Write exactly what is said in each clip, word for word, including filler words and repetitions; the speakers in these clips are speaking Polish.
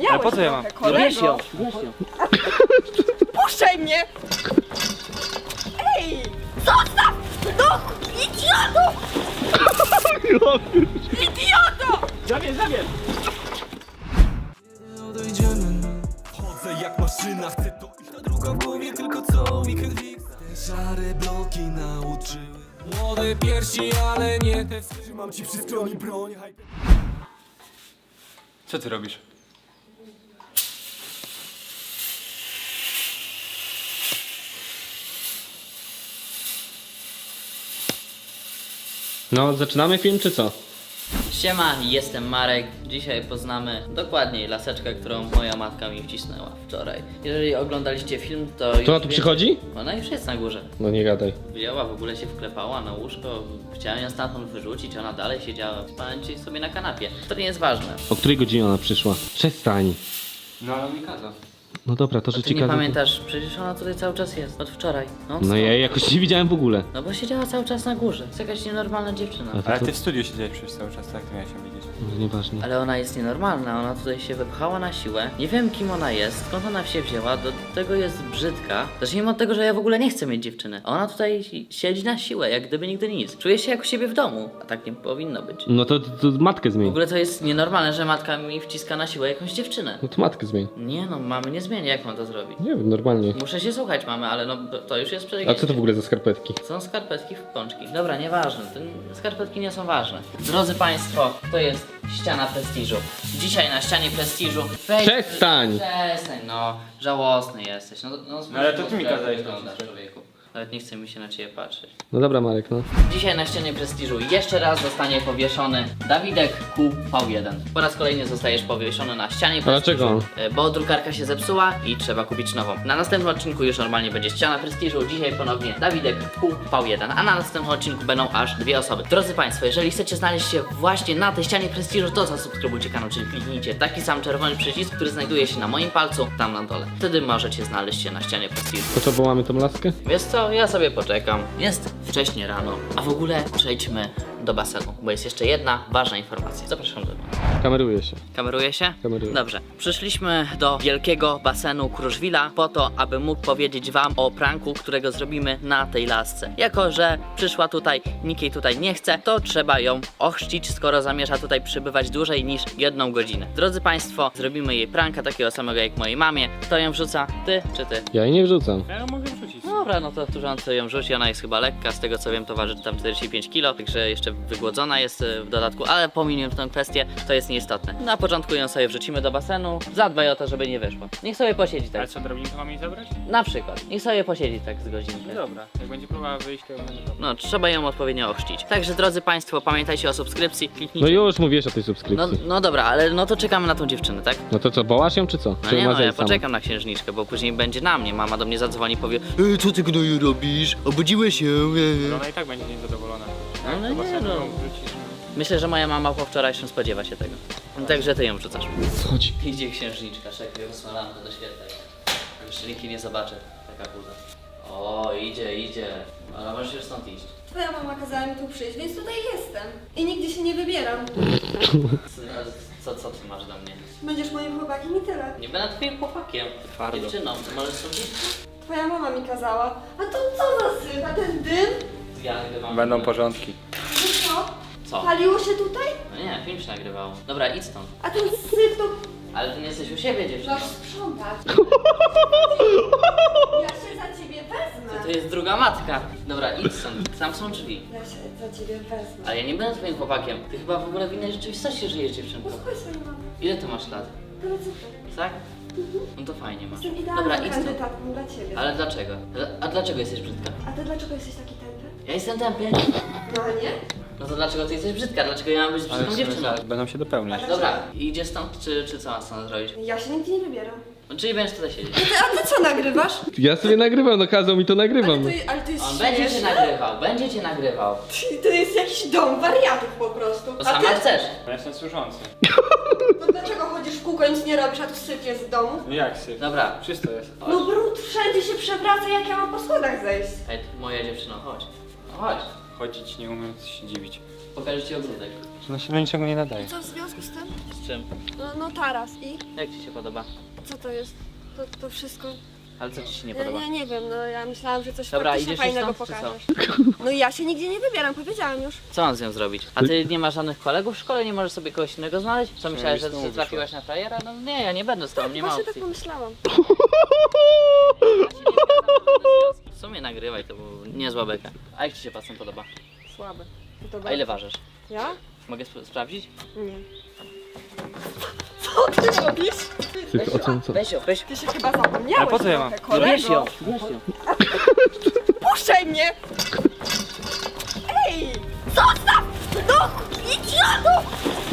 miałeś po co ja mam? trochę, kolego. Bierz ją, bierz ją. Puszczaj mnie! Ej! Zostaw! No! Idioto! Idioto! Zabierz, zabierz! Chodzę jak maszyna, chcę to iść na drugą w głowie, tylko co mi krwi. Te szare bloki nauczyły. Młode piersi, ale nie te. Trzymam ci przy stronie broń. Co ty robisz? No, zaczynamy film czy co? Siema, jestem Marek. Dzisiaj poznamy dokładniej laseczkę, którą moja matka mi wcisnęła wczoraj. Jeżeli oglądaliście film, to już To ona tu wiecie- przychodzi? Ona już jest na górze. No nie gadaj. Wzięła, w ogóle się wklepała na łóżko. Chciałem ją stamtąd wyrzucić, ona dalej siedziała. Spałem dzisiaj sobie na kanapie. To nie jest ważne. O której godzinie ona przyszła? Przestań. No ale mi kazał. No dobra, to że Ty ci nie kazał, to- pamiętasz, przecież ona tutaj cały czas jest. Od wczoraj. No, No co? ja jej jakoś nie widziałem w ogóle. No bo siedziała cały czas na górze. Jest jakaś nienormalna dziewczyna. A to, Ale to... ty w studiu siedziałeś przez cały czas, tak? To miałeś ją widzieć. No, nieważne. Ale ona jest nienormalna, ona tutaj się wypchała na siłę. Nie wiem kim ona jest, skąd ona się wzięła, do tego jest brzydka. Zacznijmy od tego, że ja w ogóle nie chcę mieć dziewczyny. A ona tutaj siedzi na siłę, jak gdyby nigdy nic. Czuje się jak u siebie w domu, a tak nie powinno być. No to, to, to matkę W zmień. ogóle to jest nienormalne, że matka mi wciska na siłę jakąś dziewczynę. No to matkę zmień. Nie no, mamy nie zmieni, jak mam to zrobić? Nie wiem, normalnie. Muszę się słuchać mamy, ale no to już jest A przegięcie. co to w ogóle za skarpetki? Są skarpetki w pączki. Dobra, nieważne, te skarpetki nie są ważne. Drodzy Państwo, to jest ściana prestiżu. Dzisiaj na ścianie prestiżu... Weź... Przestań! Przestań, no. Żałosny jesteś. No, no, No ale to ty mi jak kazałeś wyglądasz, to człowieku. Nawet nie chce mi się na ciebie patrzeć. No dobra Marek, no. Dzisiaj na ścianie prestiżu jeszcze raz zostanie powieszony Dawidek Q V jeden. Po raz kolejny zostajesz powieszony na ścianie prestiżu. dlaczego? e, Bo drukarka się zepsuła i trzeba kupić nową. Na następnym odcinku już normalnie będzie ściana prestiżu. Dzisiaj ponownie Dawidek Q V jeden. A na następnym odcinku będą aż dwie osoby. Drodzy Państwo, jeżeli chcecie znaleźć się właśnie na tej ścianie prestiżu, to zasubskrybujcie kanał, czyli kliknijcie taki sam czerwony przycisk, który znajduje się na moim palcu, tam na dole. Wtedy możecie znaleźć się na ścianie prestiżu. To co, wołamy tą laskę? Wiesz co, ja sobie poczekam. Jest wcześnie rano, a w ogóle przejdźmy do basenu, bo jest jeszcze jedna ważna informacja. Zapraszam do mnie. Kameruje się. Kameruje się? Kameruje. Dobrze. Przyszliśmy do wielkiego basenu Kruszwila po to, aby mógł powiedzieć wam o pranku, którego zrobimy na tej lasce. Jako że przyszła tutaj, nikt jej tutaj nie chce, to trzeba ją ochrzcić, skoro zamierza tutaj przybywać dłużej niż jedną godzinę. Drodzy Państwo, zrobimy jej pranka takiego samego jak mojej mamie. Kto ją wrzuca? Ty czy ty? Ja jej nie wrzucam. Ja ją mogę wrzucić. Dobra, no to turzący ją rzuci, ona jest chyba lekka, z tego co wiem to waży tam czterdzieści pięć kilo, także jeszcze wygłodzona jest y, w dodatku, ale pominiemy tę kwestię, to jest nieistotne. Na początku ją sobie wrzucimy do basenu, zadbaj o to, żeby nie wyszło. Niech sobie posiedzi Ale tak, co, drobinkę mam jej zabrać? na przykład, niech sobie posiedzi tak z godzinkę. No dobra, jak będzie próbowała wyjść, to będzie dobra. No, trzeba ją odpowiednio ochrzcić. Także drodzy Państwo, pamiętajcie o subskrypcji, No kliknijcie. już mówiłeś o tej No, subskrypcji. no dobra, ale no to czekamy na tą dziewczynę, tak? No to co, wołasz ją czy co? No Czy nie ma no, ja zejść sama? poczekam na księżniczkę, bo później będzie na mnie. Mama do mnie zadzwoni i powie Ej, co ty gnoju robisz? Obudziłeś się? Ale ona i tak będzie niezadowolona. No, no Do nie, basenu no. ją wrzucisz. Myślę, że moja mama po wczorajszym spodziewa się tego. Także ty ją wrzucasz. Chodź. Idzie księżniczka, szekuje wysłankę do świetlej. Jeszcze nikt jej nie zobaczy, taka buza. O, idzie, idzie. Ale możesz już stąd iść. Twoja mama kazała mi tu przyjść, więc tutaj jestem. I nigdzie się nie wybieram. Co, co ty masz do mnie? Będziesz moim chłopakiem i tyle. Nie będę twoim chłopakiem. Twardo. Dziewczyną, ty możesz stąd iść? Twoja mama mi kazała. A to co za syf? A ten dym? Ja nagrywam. Będą porządki. To co? Co? Paliło się tutaj? No nie, film się nagrywał. Dobra, idź stąd. A ten syf to... Ale ty nie jesteś u siebie, dziewczyno. Masz sprzątać. Ja się za ciebie wezmę. To jest druga matka. Dobra, idź stąd. Tam są drzwi. Ja się za ciebie wezmę. Ale ja nie będę twoim chłopakiem. Ty chyba w ogóle w innej rzeczywistości żyjesz, dziewczynko. Posłuchaj swojej mamy. Ile ty masz lat? Ale co to? Tak? No to fajnie masz. Jestem Dobra, idealną idź stąd. kandydatką dla ciebie. Ale dlaczego? A dlaczego jesteś brzydka? A ty dlaczego jesteś taki tępy? Ja jestem tępy. No a nie? No to dlaczego ty jesteś brzydka? Dlaczego ja mam być Ale brzydką w sumie dziewczyną? zaraz będą się dopełniać. Dobra, idzie stąd, czy, czy co ma stąd zrobić? Ja się nigdzie nie wybieram. No, czyli będziesz tutaj siedzieć. Ty, a ty co nagrywasz? Ja sobie nagrywam, no kazał mi to Ale nagrywam. to, ale to jest On będzie cię śmieszne. nagrywał, będzie cię nagrywał. Ty- To jest jakiś dom wariatów po prostu. To A sama ty? chcesz. Ja jestem służący. No dlaczego chodzisz w kółko, nic nie robisz, a tu syf jest w domu? No jak syf? Dobra. Czysto jest. No brud wszędzie się przewraca, jak ja mam po schodach zejść. Ej, moja dziewczyno, chodź. No chodź. Chodzić nie umiem, to się dziwić. Pokażę ci ogródek. No się do niczego nie nadaje. Co w związku z tym? Z czym? No, no taras. I? Jak ci się podoba? Co to jest? To, to wszystko? Ale co ci się nie Ja, podoba? ja nie wiem, no ja myślałam, że coś Dobra, faktycznie idziesz już fajnego stąd, czy pokażesz. No ja się nigdzie nie wybieram, powiedziałam już. Co mam z nią zrobić? A ty nie masz żadnych kolegów w szkole? Nie możesz sobie kogoś innego znaleźć? Co myślałeś, że z tobą że trafiłaś na frajera? No nie, ja nie będę z tobą, nie ma Właśnie tak opcji. pomyślałam. Ja się nie zgadzam na żadne związki. W sumie nagrywaj, to był niezła beka. A jak ci się pasem podoba? Słabe. To to A ile ważysz? Ja? Mogę sp- sprawdzić? Nie. Co ty robisz? Ty, o co, co? Weź ją, weź. Ty się chyba zapomniałeś. Ale po co ja mam? trochę, No weź kolego. ją, weź ją. Puszczaj mnie! Ej! Zostaw! No! Idioto!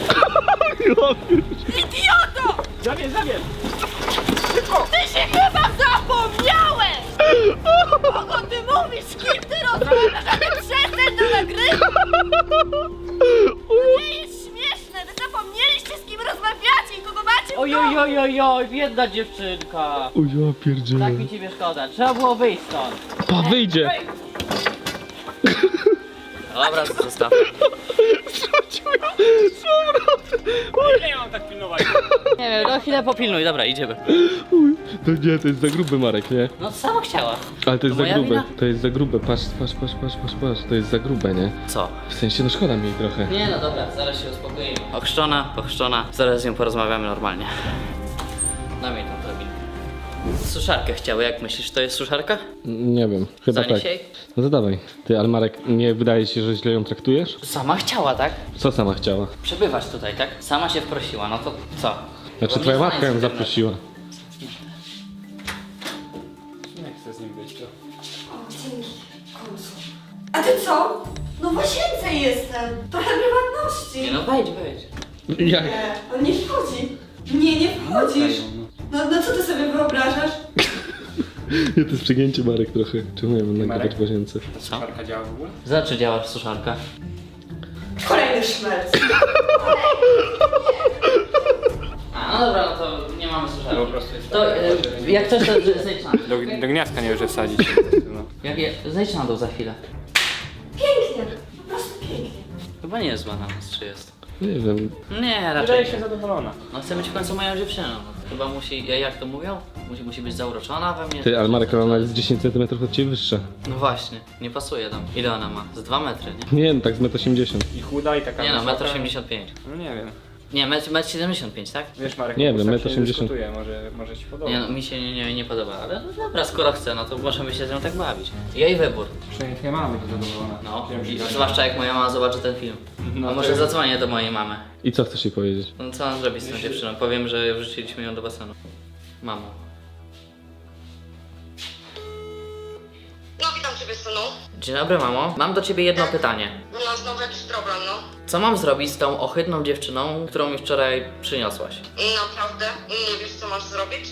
Idioto! Zabierz, zabierz! Ty się chyba zapomniałeś! Kogo ty mówisz? Z kim ty rozmawiasz? A ty przestań to nagrywać! To nie jest śmieszne! Wy zapomnieliście, z kim rozmawiacie i kogo macie w Oj, domu! oj, oj, oj, oj, biedna dziewczynka. O ja pierdzielę. Tak mi ciebie szkoda, trzeba było wyjść stąd. Pa, wyjdzie! Dobra, zostaw. Ile ja mam tak pilnować? Nie wiem, no chwilę popilnuj, dobra, idziemy. To nie, to jest za grube, Marek, nie? No sama chciała. Ale to jest To za moja grube, wina? to jest za grube, patrz, patrz, patrz, patrz, patrz, patrz, to jest za grube, nie? Co? W sensie, no szkoda mi jej trochę. Nie no dobra, zaraz się uspokoimy. Ochrzczona, pochrzczona, zaraz z nią porozmawiamy normalnie. Daj mi tą drabinkę. Suszarkę chciały, jak myślisz, to jest suszarka? Nie wiem, chyba Zanieś tak. jej? No to dawaj. Ty, ale Marek, nie wydaje ci się, że źle ją traktujesz? Sama chciała, tak? Co sama chciała? Przebywać tutaj, tak? Sama się wprosiła, no to co? Znaczy Bo twoja nie matka znajdzie ją internetu. zaprosiła. Nie chcę z nim być, to. O, dzięki. W końcu. A ty co? No w łazience jestem. Trochę prywatności. Nie no, wejdź, wejdź. Jak? Nie, on nie wchodzi. Nie, nie wchodzisz. No, no co ty sobie wyobrażasz? Nie, to jest przegięcie, Marek, trochę. Czemu ja mam nagrywać Marek? w łazience? Co? Suszarka działa w ogóle? Za czy działa suszarka? Kolejny szmelc. A, no dobra, no to nie mamy suszarki. To po prostu jest To e, jak coś, to z- zejdź na dół. Do, do gniazdka nie może wsadzić. No. Jak je, zejdź na dół za chwilę. Pięknie. Po prostu pięknie. Chyba nie jest zła na nas, czy jest? Nie wiem. Nie, raczej Wydaje nie. się zadowolona. No chcę być w końcu moją dziewczyną. Chyba musi, ja- jak to mówią? Musi, musi być zauroczona we mnie. Ty, ale Marek, ona jest dziesięć centymetrów od ciebie wyższa. No właśnie, nie pasuje tam. Ile ona ma? Z dwa metry, nie? Nie, no tak z metr osiemdziesiąt. I chuda i taka Nie no, wysoka. metr osiemdziesiąt pięć. No nie wiem. Nie, metr, metr siedemdziesiąt pięć, tak? Wiesz Marek, Nie wiem, metr metr osiemdziesiąt. Może, może ci podoba. Nie no, mi się nie, nie, nie podoba, ale no dobra, skoro chce, no to możemy się z nią tak bawić. Jej wybór. Przynajmniej twoja mama będzie zadowolona. No, Wiem, że i tak. zwłaszcza jak moja mama zobaczy ten film. No A to może jest- zadzwonię do mojej mamy. I co chcesz jej powiedzieć? No co mam zrobić z tą dziewczyną? Powiem, że wrzuciliśmy ją do basenu. Mamo. No witam ciebie, synu. Dzień dobry, mamo. Mam do ciebie jedno pytanie. No znowu jakiś problem, no. Co mam zrobić z tą ohydną dziewczyną, którą mi wczoraj przyniosłaś? Naprawdę? Nie wiesz, co masz zrobić?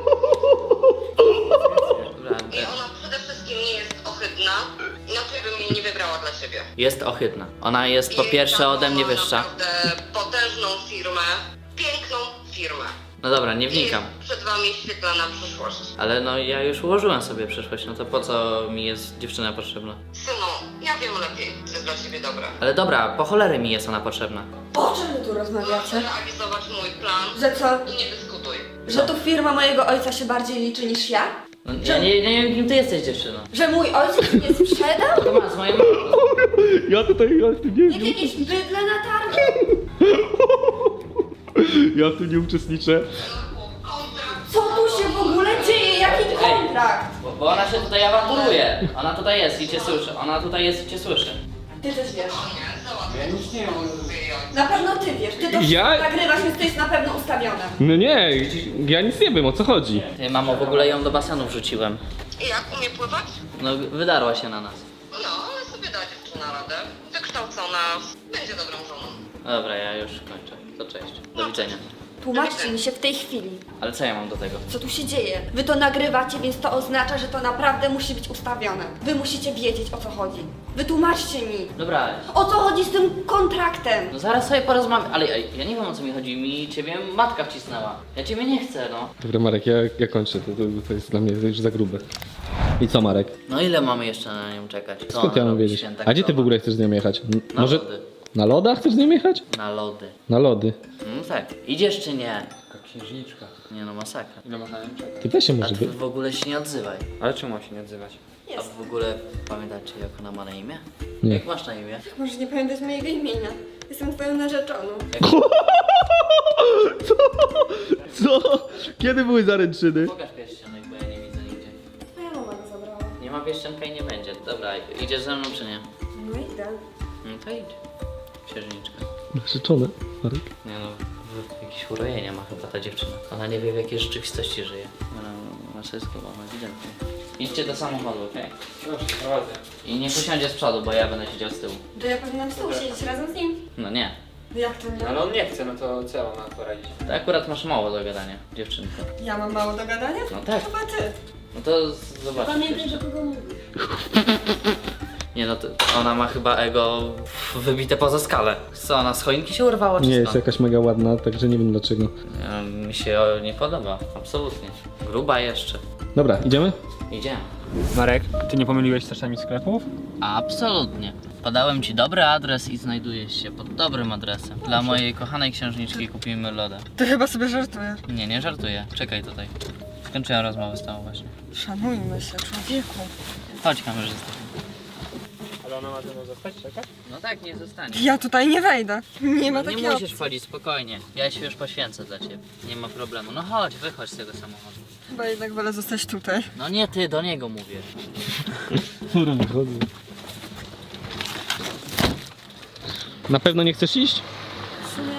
Dobra, I ona przede wszystkim nie jest ohydna, inaczej bym jej nie wybrała dla ciebie. jest ohydna. Ona jest po Jej pierwsze tato ode mnie ma wyższa. naprawdę potężną firmę, piękną firmę. No dobra, nie I wnikam. jest przed wami świetlana przyszłość. Ale no ja już ułożyłem sobie przyszłość, no to po co mi jest dziewczyna potrzebna? Synu, ja wiem lepiej, co jest dla ciebie dobre. Ale dobra, po cholery mi jest ona potrzebna. O czym wy tu Masz rozmawiacie? realizować mój plan Że co? i nie dyskutuj. Że tu firma mojego ojca się bardziej liczy niż ja? No, ja nie, nie wiem kim ty jesteś dziewczyną. Że mój ojciec mnie sprzedał? To ma z mojej mamy. Ja tutaj, ja w tym nie Jak jakieś bydle na targu? Ja w tym nie uczestniczę. Kontrakt. Co tu się w ogóle dzieje? Jaki kontrakt? Bo, bo ona się tutaj awanturuje. Ona tutaj jest i cię słyszy. Ona tutaj jest i cię słyszy. Ty też wiesz. Nie, załatwię. Ja nic nie wiem. Na pewno ty wiesz. Ty to Ja? nagrywasz, więc to jest na pewno ustawione. No nie, ja nic nie wiem, o co chodzi. Ty, mamo, w ogóle ją do basenu wrzuciłem. I jak, umie pływać? No, wydarła się na nas. No, ale sobie da dziewczyna radę. Wykształcona, będzie dobrą żoną. Dobra, ja już kończę. To cześć. Do widzenia. Tłumaczcie mi się w tej chwili, Ale co ja mam do tego? co tu się dzieje. Wy to nagrywacie, więc to oznacza, że to naprawdę musi być ustawione. Wy musicie wiedzieć, o co chodzi. Wytłumaczcie mi. Dobra, O co chodzi z tym kontraktem? no zaraz sobie porozmawiam. Ale ja, ja nie wiem o co mi chodzi. Mi ciebie matka wcisnęła. Ja ciebie nie chcę, no. Dobra, Marek, ja, ja kończę, to, to, to jest dla mnie już za grube. I co, Marek? No ile mamy jeszcze na nią czekać? Co Skąd ona ja mam robi wiedzieć? święta A gdzie ty w krowa? ogóle chcesz z nią jechać? M- Na Może... lody. Na loda chcesz z nim jechać? Na lody. Na lody. No tak. Idziesz czy nie? Taka księżniczka. Nie no, masakra. Ile można na nią czekać? Ty weź się A może ty by... w ogóle się nie odzywaj. Ale czemu ma się nie odzywać? A w ogóle pamiętacie jak ona ma na imię? Nie. Jak masz na imię? Możesz nie pamiętać mojego imienia. Jestem twoją narzeczoną. Co? Kiedy były zaręczyny? Pokaż pierścionek, bo ja nie widzę nigdzie. Moja mama go zabrała. Nie ma pierścionka i nie będzie. Dobra, idziesz ze mną czy nie? No idę. No to idź. Księżniczka. Narzeczone, Marek. Nie no, w- jakieś urojenia ma chyba ta dziewczyna. Ona nie wie w jakiej rzeczywistości żyje. Ona ma sobie schowana, ewidentnie. Idźcie do samochodu, okej? Dobrze, prowadzę. I niech usiądzie z przodu, bo ja będę siedział z tyłu. To ja powinnam z tobą siedzieć razem z nim? No nie. Jak to nie? Ale on nie chce, no to co ja mam poradzić? To akurat masz mało do gadania, dziewczynko. Ja mam mało do gadania? No tak. Chyba ty. No to z- zobaczysz. Pamiętaj, jeszcze. do kogo mówisz. Nie no, to ona ma chyba ego wybite poza skalę. Co, ona z choinki się urwała czy Nie, jest skąd? jakaś mega ładna, także nie wiem dlaczego. Ja, mi się o, nie podoba, absolutnie. Gruba jeszcze. Dobra, idziemy? Idziemy. Marek, ty nie pomyliłeś czasami sklepów? Absolutnie. Podałem ci dobry adres i znajdujesz się pod dobrym adresem. Dla mojej kochanej księżniczki kupimy loda. Ty chyba sobie żartujesz. Nie, nie żartuję. Czekaj tutaj. Skończyłem rozmowę z tobą właśnie. Szanujmy się, człowieku. Chodź kamerzysta. Ale ona ma ze mną zostać, czekać? No tak, nie zostanie. Ja tutaj nie wejdę. Nie ma No nie takiego. musisz wchodzić, spokojnie. Ja się już poświęcę dla ciebie. Nie ma problemu. No chodź, wychodź z tego samochodu. Chyba jednak wolę zostać tutaj. No nie ty, do niego mówię. Na pewno nie chcesz iść? W sumie...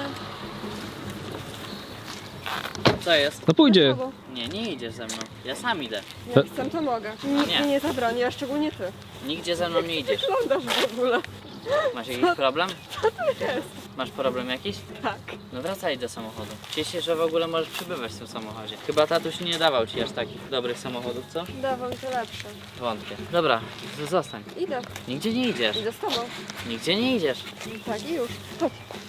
Co jest? No pójdzie. Słabo. Nie, nie idziesz ze mną. Ja sam idę. Jak chcę, to mogę. Nikt nie. mi nie zabroni, a szczególnie ty. Nigdzie ze mną nie idziesz. Wyglądasz w ogóle. Masz jakiś problem? Co to jest? Masz problem jakiś? Tak. No wracaj do samochodu. Cieszę się, że w ogóle możesz przybywać w tym samochodzie. Chyba tatuś nie dawał ci aż takich dobrych samochodów, co? Dawał mi to lepsze. Wątpię. Dobra, to zostań. Idę. Nigdzie nie idziesz. Idę z tobą. Nigdzie nie idziesz. Tak i już. Chodź.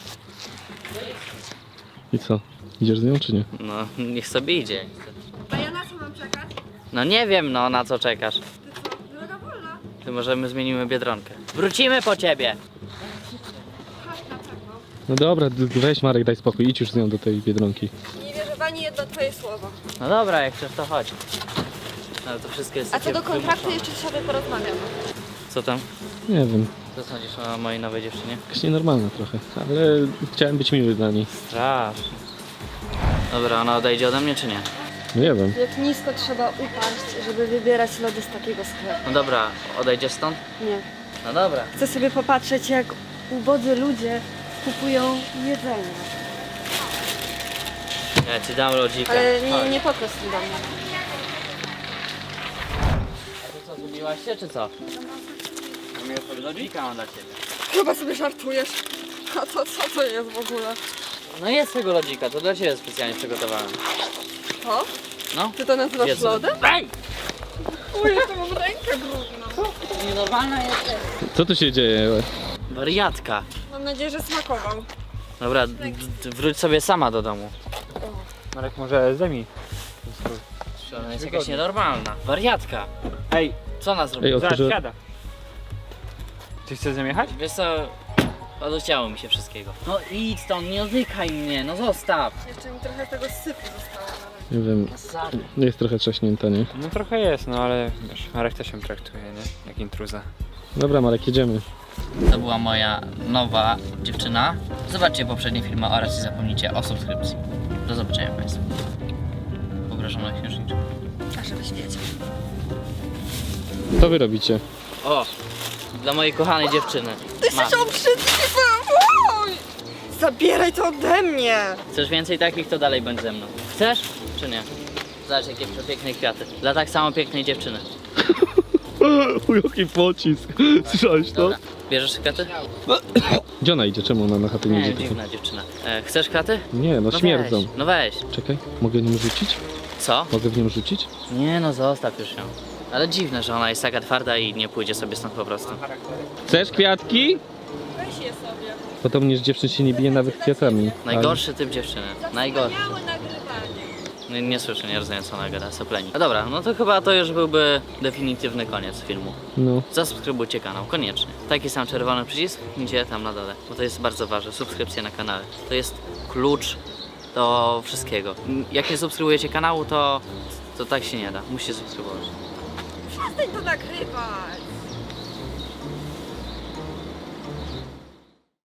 I co? Idziesz z nią czy nie? No, niech sobie idzie. A ja na co mam czekać? No nie wiem, no na co czekasz. Ty co? Droga wolna. Ty możemy zmienimy Biedronkę. Wrócimy po ciebie. Chodź na pewno. No dobra, d- weź Marek, daj spokój, idź już z nią do tej Biedronki. Nie wierzę w ani jedno twoje słowo. No dobra, jak chcesz to chodź. Ale to wszystko jest A co takie do kontraktu, wymuszone. jeszcze sobie porozmawiamy. Co tam? Nie wiem, Co sądzisz o mojej nowej dziewczynie? jakaś nienormalna trochę, ale chciałem być miły dla niej. Strasznie. Dobra, ona odejdzie ode mnie czy nie? Nie wiem. Jak nisko trzeba upaść, żeby wybierać lody z takiego sklepu. No dobra, odejdziesz stąd? Nie. No dobra. Chcę sobie popatrzeć, jak ubodzy ludzie kupują jedzenie. Ja ci dam lodzika. Ale Chodź. nie, nie podchodź tu do mnie. A to co, zgubiłaś się czy co? Lodzika mam dla ciebie. Chyba sobie żartujesz. A to co to jest w ogóle? No jest tego lodzika, to dla ciebie specjalnie przygotowałem. To? No. Ty to nazywasz Jedz. lodem? Ej! Uj, to mam rękę brudną. Nienormalna jest. Co tu się dzieje? Wariatka. Mam nadzieję, że smakował. Dobra, d- d- wróć sobie sama do domu. Marek, może zajmij. Ona jest jakaś nienormalna. Wariatka. Ej, Co ona Ej, zrobiła? zaraz otworzy... siada. Ty chcesz ze mną jechać? Wiesz co, odechciało mi się wszystkiego. No idź stąd, nie odykaj mnie, no zostaw. Jeszcze mi trochę tego sypu zostało nawet. Nie wiem, Masakra. jest trochę trzaśnięta, nie? No trochę jest, no ale wiesz, Marek też się traktuje, nie? Jak intruza. Dobra Marek, jedziemy. To była moja nowa dziewczyna. Zobaczcie poprzednie filmy oraz nie zapomnijcie o subskrypcji. Do zobaczenia Państwu. Pogrożona księżniczka. A żebyś wiedział. Co wy robicie? O! Dla mojej kochanej dziewczyny. Ty Masz. się obrzydliwy! Oj! Zabieraj to ode mnie! Chcesz więcej takich, to dalej bądź ze mną. Chcesz, czy nie? Zobacz jakie przepiękne kwiaty. Dla tak samo pięknej dziewczyny. Jaki pocisk. Słyszałeś to? Dobra. Bierzesz kwiaty? Gdzie ona idzie? Czemu ona na chatę nie Nie, idzie? dziwna dziewczyna. E, chcesz kwiaty? Nie, no No śmierdzą. weź, no weź. Czekaj, mogę nią rzucić? Co? Mogę w nią rzucić? Nie no, zostaw już ją. Ale dziwne, że ona jest taka twarda i nie pójdzie sobie stąd po prostu. Chcesz kwiatki? Weź je sobie. Podobnież dziewczyn się nie bije nawet kwiatami. Najgorszy typ dziewczyny. Najgorszy. Wspaniałe nagrywanie. Nie, nie słyszę, nie rozumiem co ona gada, sopleni. No dobra, no to chyba to już byłby definitywny koniec filmu. No. Zasubskrybujcie kanał, koniecznie. Taki sam czerwony przycisk, gdzie tam na dole, bo to jest bardzo ważne, subskrypcja na kanale. To jest klucz do wszystkiego. Jak nie subskrybujecie kanału, to, to tak się nie da, musicie subskrybować. Przestań to nagrywać.